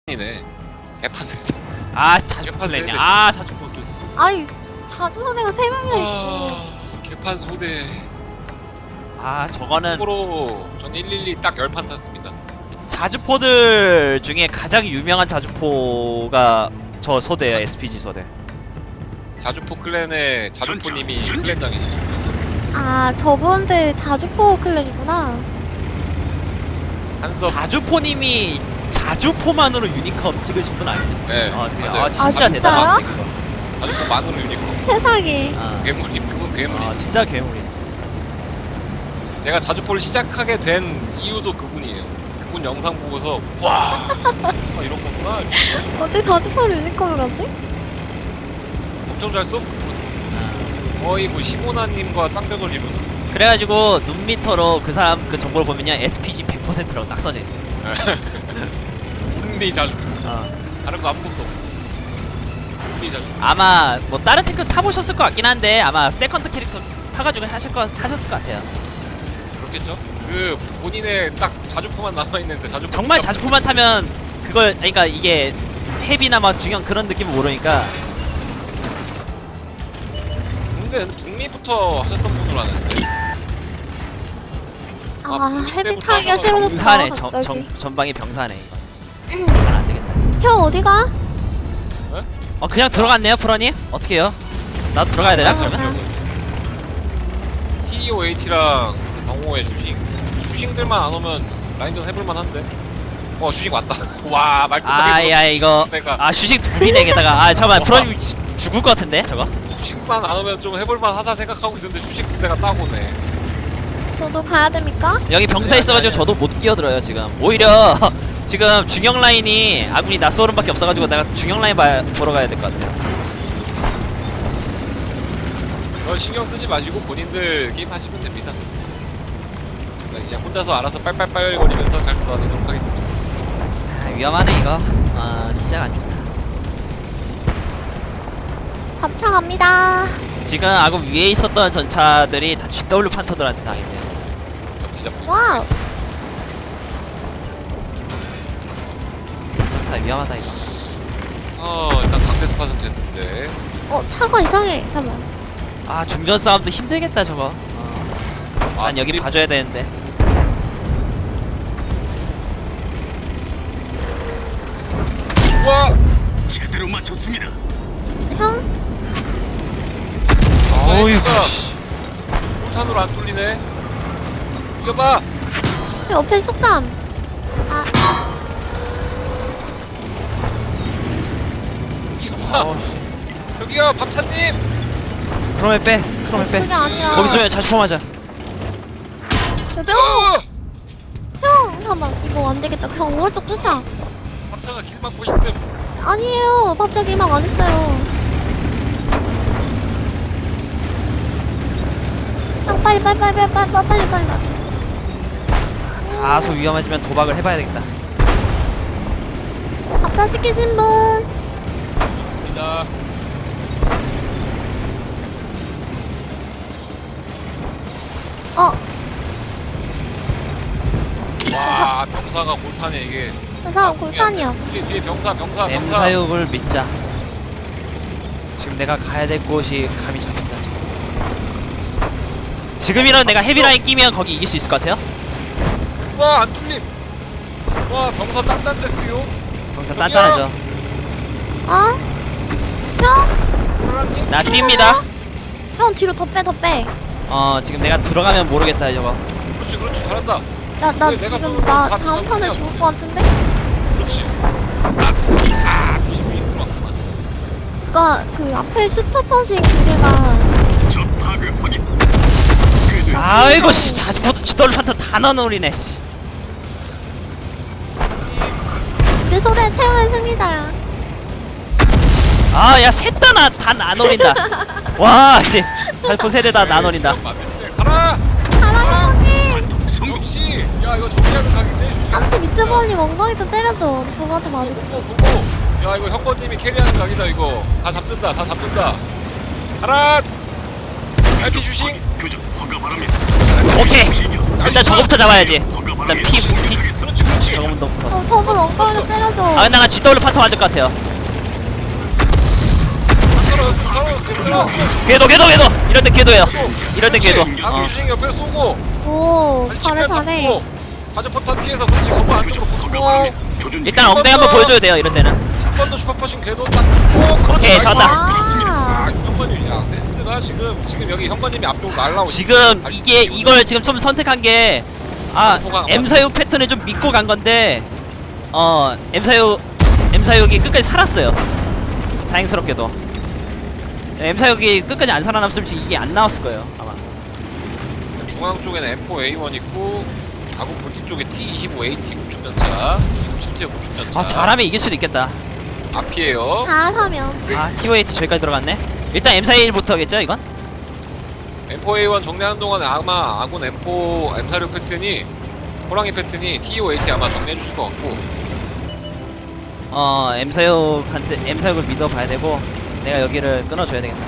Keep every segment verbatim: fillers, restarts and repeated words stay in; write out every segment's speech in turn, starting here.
이네 개판 세대. 아 자주 폴랬냐. 아 자주 폴. 아이 자주 선애가 세 명이나 있어. 아, 개판 소대. 아 저거는 참고로 전 일일이 딱 열 판 탔습니다. 자주포들 중에 가장 유명한 자주포가 저 소대예요. 에스피지 소대. 자주포 클랜의 자주포님이 클랜장이시죠. 아 저분들 자주포 클랜이구나. 한섭. 자주포님이 자주포만으로 유니컵 찍으신 분 아니에요? 네. 아, 진짜, 맞아요. 아 진짜 아, 대단하네 그거. 자주포 만으로 유니콘. 세상에. 아, 괴물이 그분 괴물이. 아 진짜 괴물이. 제가 자주포를 시작하게 된 이유도 그분이에요. 그분 영상 보고서 와 아, 이런 거구나. 어떻게 자주포를 유니콘을 가지? 엄청 잘 써. 아. 거의 뭐 시모나님과 쌍벽을 이루는. 그래가지고 눈미터로 그 사람 그 정보를 보면요 에스피지 백 퍼센트라고 딱 써져 있어요. 온리 자주. 어. 다른 거 아무것도 없어. 온리 자주. 아마 뭐 다른 탱크 타보셨을 것 같긴 한데 아마 세컨드 캐릭터 타가지고 하실 거 하셨을 것 같아요. 그렇겠죠? 그 본인의 딱 자주포만 남아 있는데 자주포. 정말 자주포만 타면 그걸 그러니까 이게 헤비나 막 중요한 그런 느낌을 모르니까. 근데 북미부터 하셨던 분으로 아는데. 아, 아, 북미 헤비 때부터 타기가 하셨어. 싫어졌어. 병사네 정, 갑자기. 정, 전방이 병사네 이거. 아, 안되겠다. 형 어디가? 어 그냥 들어갔네요 프로님? 어떻게요? 나도 들어가야 되나 아, 그러면? 티오에이티랑 방호의 주식. 주식들만 안 오면 라인전 해볼만 한데. 어 주식 왔다. 와 말끝하게. 아야 이거 내가 아 주식 둘이네 게다가 아 잠깐만 프로님 지- 죽을 것 같은데 저거? 주식만 안 오면 좀 해볼만 하다 생각하고 있었는데 주식 두 대가 따고네. 저도 가야 됩니까? 여기 병사 있어가지고 저도 못 끼어들어요 지금. 오히려 지금 중형 라인이 아군이 낯설음밖에 없어가지고 내가 중형 라인 봐, 보러 가야 될 것 같아요. 어, 신경 쓰지 마시고 본인들 게임 하시면 됩니다. 그냥 혼자서 알아서 빨빨빨 거리면서 잘 돌아다니도록 하겠습니다. 아, 위험하네 이거. 아 시작 안 좋다. 밥차 갑니다. 지금 아군 위에 있었던 전차들이 다 지더블유 판터들한테 당했네요. 저 진짜 와우. 다 위험하다 이거. 어 일단 강대 스팟은 됐는데. 어 차가 이상해. 잠깐만. 아 중전 싸움도 힘들겠다 저거. 어. 아, 난 여기 그리고- 봐줘야 되는데. 우와! 제대로 맞췄습니다. 형? 어이구 씨. 포탄으로 안 뚫리네. 이겨봐. 옆에 속삼. 아, 이겨봐. 어우씨. 저기요 밥차님. 크롬에 빼. 크롬에 빼. 그게 아니라. 거기 쏘면 자주 맞아. 여보. 어! 형, 잠깐만. 이거 안 되겠다. 형 오른쪽 쫓아. 밥차가 길 막고 있음. 아니에요. 갑자기 막 안 했어요. 형 빨리 빨리 빨리 빨리 빨리 빨리 빨리. 다소 위험해지면 도박을 해봐야 되겠다. 밥차 시키신 분. 입니다. 어, 와 병사가 골탄에 이게. 저 사람 골판이야. 뒤에 뒤에 병사 병사 병사. 엠사육을 믿자. 지금 내가 가야 될 곳이 감이 잡힌다 지금. 지금이라도 내가 헤비라인 끼면 거기 이길 수 있을 것 같아요? 와안 뚫림. 와 병사 짠짠됐어요. 병사 단단하죠. 어? 형? 사랑님. 나 뜁니다. 형 뒤로 더 빼, 더 빼. 어 지금 내가 들어가면 모르겠다 저거. 그렇지 그렇지 잘한다. 나, 나 왜 내가 지금 쏘면 나 다 다음 턴에 그냥- 죽을 것 같은데? 그렇지. 아아 뒤에 들어왔구만. 그니까 그 앞에 슈퍼퍼싱 두 개가 적 파괴 확인. 궤도 아이고 씨 자주포도 지돌 판터 다 넣어놓으리네 씨. 우리 소대 최후의 승리자야. 아야 셋 다 나 다 나눠린다. 와씨 자주포 세대 다 나눠린다. 맞는데 가라. 사랑해 언니. 완통 성공. 역시 야 이거 정리하는 각인데 주식. 암치 미트볼님 엉덩이도 때려줘. 저거한테 맞을 거. 보고 보고. 야 이거 형권님이 캐리하는 각이다 이거. 다 잡는다 다 잡는다. 가라. 알피 주식. 교전 허가 바랍니다. 오케이 일단 저거부터 잡아야지. 허가 일단 피, 피 그렇지 그렇지. 저거 더 무서워. 어, 저분 엉덩이를 때려줘. 아 근데 나 지더블유 파트 맞을 것 같아요. 떨어졌어 떨어졌어 떨어졌어. 궤도 궤도 궤도. 이럴 때 궤도예요. 이럴 때 궤도. 아군 주식 옆에 쏘고. 오, 다시 잘해, 측면 잘해. 잡고. 가전 포탄 피해서 그렇지 건물 안쪽으로 붙고. 조준 일단 엉덩이 한번 보여줘야 돼요. 이럴 때는. 한 번 더 슈퍼퍼싱 궤도 딱 붙고. 그렇지. 오케이, 나이스. 잡았다. 아, 아 현관님 야 센스가 지금 지금 여기 현관님이 앞쪽으로 날라오고. 지금 이게 이걸 지금 좀 선택한 게 아 엠사육 패턴을 좀 믿고 간 건데 어 엠사육 엠사육이 끝까지 살았어요. 다행스럽게도. 엠사육이 끝까지 안 살아남았으면 지금 이게 안 나왔을 거예요 아마. 중앙 쪽에는 엠 포 에이 원 있고 아군 본진 쪽에 티 이십오 에이티 구축전차 실제 구축전차. 아 잘하면 이길 수도 있겠다. 앞이에요. 잘하면. 아 티오에이티 저기까지 들어갔네. 일단 엠사일부터겠죠 이건? 엠 포 에이 원 정리하는 동안에 아마 아군 엠 포 엠 사십육 패턴이 호랑이 패턴이 티 오 에이티 아마 정리해 주실 것 같고. 어 엠사육한테 엠사육을 믿어봐야 되고 내가 여기를 끊어줘야 되겠다.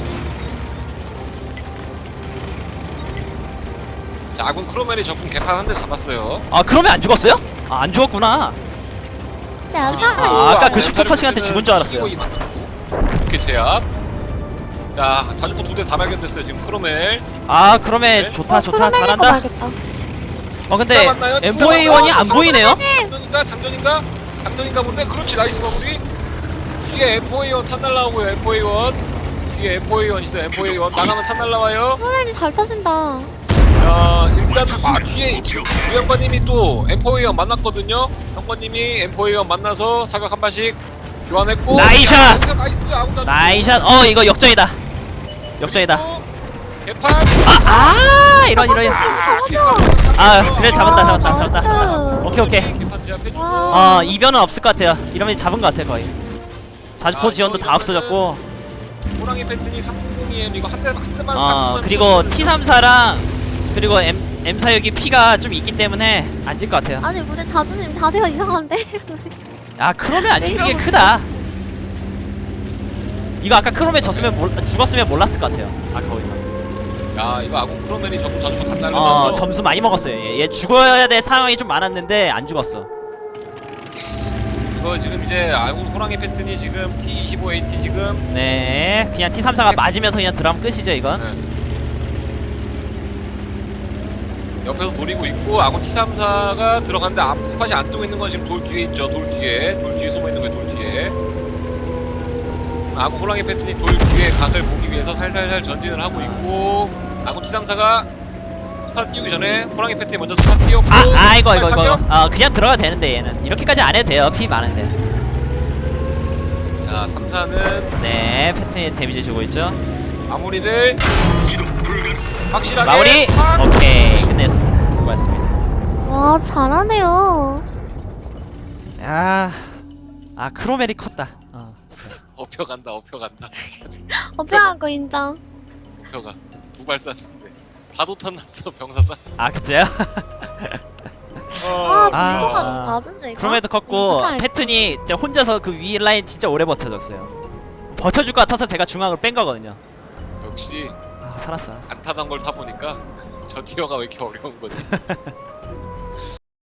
자 아군 크로멜이 적군 개판 한 대 잡았어요. 아 그러면 안 죽었어요? 아 안 죽었구나. 네, 안 아, 살아. 아까 그 슈퍼퍼싱한테 죽은 줄 알았어요. 이렇게 제압. 자 자주포 두 대 다 발견됐어요 지금 크로멜. 아 그러면 네. 좋다 좋다 어, 잘한다. 봐야겠다. 어 근데 직사 맞나요? 엠 직사 포 에이 원이 맞나요? 안 보이네요? 장전인가? 장전인가? 장전인가 본데? 그렇지 나이스 마무리. 뒤에 엠 포 에이 원 탄 날라오고요 엠 포 에이 원. 뒤에 엠 포 에이 원 있어요 엠 포 에이 원. 나가면 탄 날라와요. 소련이 잘 타진다. 자 일단 아 뒤에 유영관님이 또 엠 포 에이 원 만났거든요. 형관님이 엠 포 에이 원 만나서 사격 한 발씩 교환했고. 나이샷! 여기서 나이스 아웃 다 나이샷. 어 이거 역전이다. 역전이다. 개판. 아, 아 이런 이런. 이런. 아 그래 잡았다 잡았다 아, 잡았다. 나이스. 오케이 오케이. 개판 제압해주고. 와. 어 이변은 없을 것 같아요. 이러면 잡은 것 같아 거의. 자주포 아, 지원도 이거 다 없어졌고. 호랑이 패턴이 삼공이 엠 이거 한 대 한 대만 딱 어 치면 그리고 되거든요. 티 삼사랑 그리고 M M사역이 피가 좀 있기 때문에 안 질 것 같아요. 아니, 우리 자주님 자세가 이상한데? 아 크롬에 안 왜 죽는 게 이러고 크다. 이거 아까 크롬에 졌으면 몰, 죽었으면 몰랐을 것 같아요. 아까 거기서. 야 이거 아군 크로멜이 전부 전부 다 자르면서 어 점수 많이 먹었어요. 얘, 얘 죽어야 될 상황이 좀 많았는데 안 죽었어. 이거 지금 이제 아군 호랑이 패턴이 지금 티 이십오 에이티 지금 네, 그냥 티 삼사가 맞으면서 그냥 드럼 끝이죠 이건. 네. 옆에서 노리고 있고 아군 티 삼사가 들어갔는데 앞 스팟이 안 뜨고 있는 건 지금 돌 뒤에 있죠. 돌 뒤에 돌 뒤에 숨어 있는 거예요. 돌 뒤에 아군 호랑이 패턴이 돌 뒤에 각을 보기 위해서 살살살 전진을 하고 있고 아군 티 삼사가 스팟 띄우기 전에 호랑이 패턴이 먼저 스팟 띄웠고 아, 아 이거 이거 이거. 사격. 어 그냥 들어가도 되는데 얘는 이렇게까지 안 해도 돼요. 피 많은데. 자 삼사는 네, 패턴이 데미지 주고 있죠. 마무리를 기동 불가능. 확실하게 마무리. 팍! 오케이 끝냈습니다. 수고하셨습니다. 와, 잘하네요. 아, 아 크로멜이 컸다. 어. 업혀간다 업혀간다 어필한 거 인정. 업혀가 두 발 쐈는데 다도탄 났어 병사 쐈 아 그치요? 아, 아. 점수가 너무 낮은데, 이거? 크로멜도 컸고 이거 패튼이 진짜 혼자서 그 위 라인 진짜 오래 버텨줬어요. 버텨줄 것 같아서 제가 중앙으로 뺀 거거든요. 역시 아 살았어 살았어. 안 타던 걸 타보니까 저 티어가 왜 이렇게 어려운 거지